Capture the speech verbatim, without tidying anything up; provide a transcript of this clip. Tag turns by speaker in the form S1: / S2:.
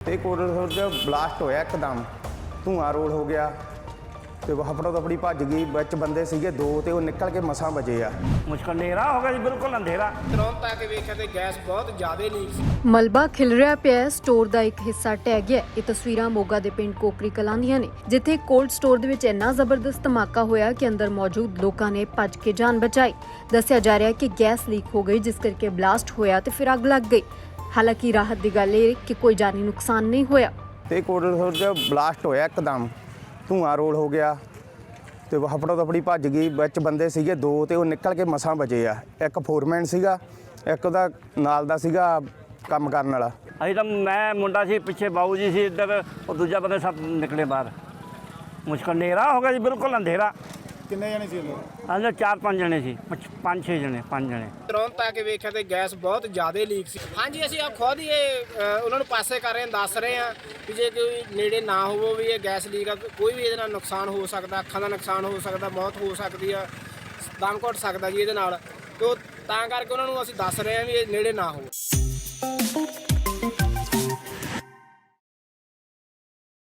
S1: ਤੇ ਕੋਟਕਪੂਰਾ 'ਚ ਬਲਾਸਟ ਹੋਇਆ ਇੱਕਦਮ, ਧੂੰਆਂ ਰੋਲ ਹੋ ਗਿਆ ਤੇ ਹਫੜਾ ਦਫੜੀ ਭੱਜ ਗਈ। ਵਿੱਚ ਬੰਦੇ ਸੀਗੇ ਦੋ ਤੇ ਉਹ ਨਿਕਲ ਕੇ ਮਸਾਂ ਬਚੇ ਆ।
S2: ਮੁਸ਼ਕਲ ਹਨੇਰਾ ਹੋ ਗਿਆ ਜੀ, ਬਿਲਕੁਲ ਅੰਧੇਰਾ।
S3: ਤੁਰੰਤ ਆ ਕੇ ਵੇਖਿਆ ਤੇ ਗੈਸ ਬਹੁਤ ਜ਼ਿਆਦਾ ਲੀਕ ਸੀ।
S4: ਮਲਬਾ ਖਿਲ ਰਿਹਾ ਪਿਆ, ਸਟੋਰ ਦਾ ਇੱਕ ਹਿੱਸਾ ਢਹਿ ਗਿਆ। ਇਹ ਤਸਵੀਰਾਂ ਮੋਗਾ ਦੇ ਪਿੰਡ ਕੋਕਰੀ ਕਲਾਂ ਦੀਆਂ ਨੇ, ਜਿੱਥੇ ਕੋਲਡ ਸਟੋਰ ਦੇ ਵਿੱਚ ਇੰਨਾ ਜ਼ਬਰਦਸਤ ਧਮਾਕਾ ਹੋਇਆ ਕਿ ਅੰਦਰ ਮੌਜੂਦ ਲੋਕਾਂ ਨੇ ਭੱਜ ਕੇ ਜਾਨ ਬਚਾਈ। ਦੱਸਿਆ ਜਾ ਰਿਹਾ ਹੈ ਕਿ ਗੈਸ ਲੀਕ ਹੋ ਗਈ, ਜਿਸ ਕਰਕੇ ਬਲਾਸਟ ਹੋਇਆ ਤੇ ਫਿਰ ਅੱਗ ਲੱਗ ਗਈ। ਹਾਲਾਂਕਿ ਰਾਹਤ ਦੀ ਗੱਲ ਇਹ ਕਿ ਕੋਈ ਜਾਨੀ ਨੁਕਸਾਨ ਨਹੀਂ ਹੋਇਆ।
S1: ਤੇ ਕੋਟਕਪੂਰਾ 'ਚ ਬਲਾਸਟ ਹੋਇਆ ਇੱਕਦਮ, ਧੂੰਆਂ ਰੋਲ ਹੋ ਗਿਆ ਤੇ ਹਫੜਾ ਦਫੜੀ ਭੱਜ ਗਈ। ਵਿੱਚ ਬੰਦੇ ਸੀਗੇ ਦੋ ਤੇ ਉਹ ਨਿਕਲ ਕੇ ਮਸਾਂ ਬਚੇ ਆ। ਇੱਕ ਫੋਰਮੈਨ ਸੀਗਾ, ਇੱਕ ਉਹਦਾ ਨਾਲ ਦਾ ਸੀਗਾ ਕੰਮ ਕਰਨ ਵਾਲਾ।
S2: ਅਸੀਂ ਤਾਂ ਮੈਂ ਮੁੰਡਾ ਸੀ, ਪਿੱਛੇ ਬਾਊ ਜੀ ਸੀ ਇੱਧਰ, ਉਹ ਦੂਜਾ ਬੰਦੇ ਸਭ ਨਿਕਲੇ ਬਾਹਰ। ਮੁਸ਼ਕਲ ਹਨੇਰਾ ਹੋ ਗਿਆ ਜੀ, ਬਿਲਕੁਲ ਅੰਧੇਰਾ।
S3: ਕਿੰਨੇ ਜਣੇ ਸੀ ਅੰਦਰ?
S2: ਅੰਦਰ ਚਾਰ ਪੰਜ ਜਣੇ ਸੀ, ਪੰਜ- ਪੰਜ ਛੇ ਜਣੇ ਪੰਜ ਜਣੇ
S3: ਤੁਰੰਤ ਆ ਕੇ ਵੇਖਿਆ ਤੇ ਗੈਸ ਬਹੁਤ ਜ਼ਿਆਦਾ ਲੀਕ ਸੀ। ਹਾਂਜੀ, ਅਸੀਂ ਆਪ ਖੁਦ ਹੀ ਇਹ ਅ, ਉਹਨਾਂ ਨੂੰ ਪਾਸੇ ਕਰ ਰਹੇ ਹਾਂ, ਦੱਸ ਰਹੇ ਹਾਂ ਕਿ ਜੇ ਕੋਈ ਨੇੜੇ ਨਾ ਹੋਵੋ ਵੀ ਇਹ ਗੈਸ ਲੀਕ ਆ, ਕੋਈ ਵੀ ਇਹਦੇ ਨਾਲ ਨੁਕਸਾਨ ਹੋ ਸਕਦਾ, ਅੱਖਾਂ ਦਾ ਨੁਕਸਾਨ ਹੋ ਸਕਦਾ, ਮੌਤ ਹੋ ਸਕਦੀ ਆ, ਦਮ ਘੁੱਟ ਸਕਦਾ ਜੀ ਇਹਦੇ ਨਾਲ। ਤੇ ਉਹ ਤਾਂ ਕਰਕੇ ਉਹਨਾਂ ਨੂੰ ਅਸੀਂ ਦੱਸ ਰਹੇ ਹਾਂ ਵੀ ਇਹ ਨੇੜੇ ਨਾ ਹੋਵੋ।